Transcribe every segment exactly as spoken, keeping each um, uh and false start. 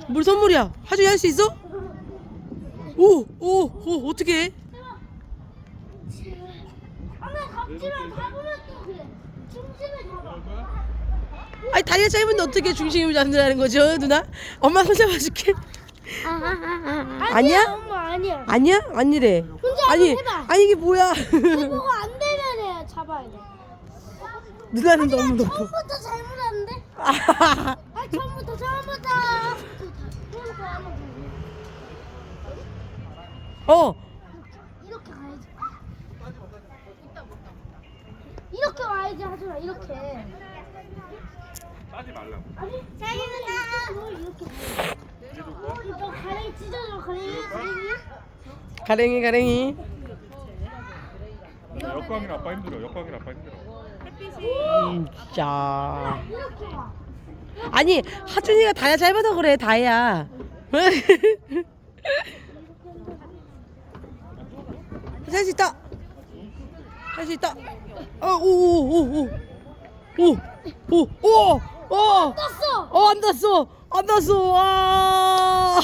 뭘 선물이야? 하준이 할 수 있어? 오, 오, 오, 어떻게 해? 하나 각지를 잡으면 또 그래. 중심을 잡아. 아니 다리가 짧은데 어떻게 중심을 잡는다는 거죠, 누나? 엄마 손 잡아줄게. 아니야? 엄마 아니야. 아니야? 아니래. 혼자 아니, 한번 해봐. 아니 이게 뭐야? 해보가 안 되면 해 잡아야 돼. 누나는 너무 높아. 처음부터 잘못했는데? 아, 아 처음부터 처음부터. 어, 이렇게 가야지. 이렇게 와야지 하준아 이렇게. 따지 말라고. 아니 자기는 이렇게. 어, 너 가랭이 찢어줘 가랭이 가랭이. 가랭이 가랭이. 역광이 아빠 힘들어. 역광이 아빠 힘들어. 음, 자. 이렇게 와. 아니 하준이가 다리가 짧아서 그래 다혜야. 할 수 있다. 할 수 있다. 어오오오오오오오오 떴어. 어, 안 닿았어. 안 닿았어. 와.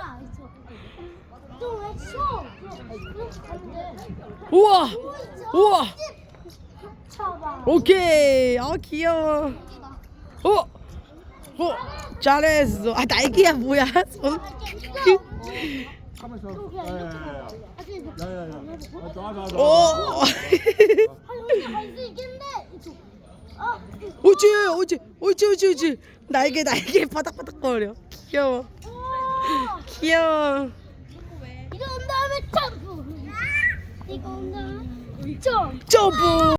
또왜 쳐? 이렇게 가면 돼. 우와. 우와. 쳐봐. 오케이. 아, 귀여워. 어. 어. 잘했어. 아, 날개야 뭐야? 손. 가만있어. 야야야. 야야야. 놔놔. 오. 혼자 갈 수 있겠는데. 어. 오지, 오지, 오지, 오지, 오지. 날개, 날개 바닥바닥거려. 귀여워. 오. 귀여워. 이거 온 다음에 점프. 이거 온 다음에 점프. 점프.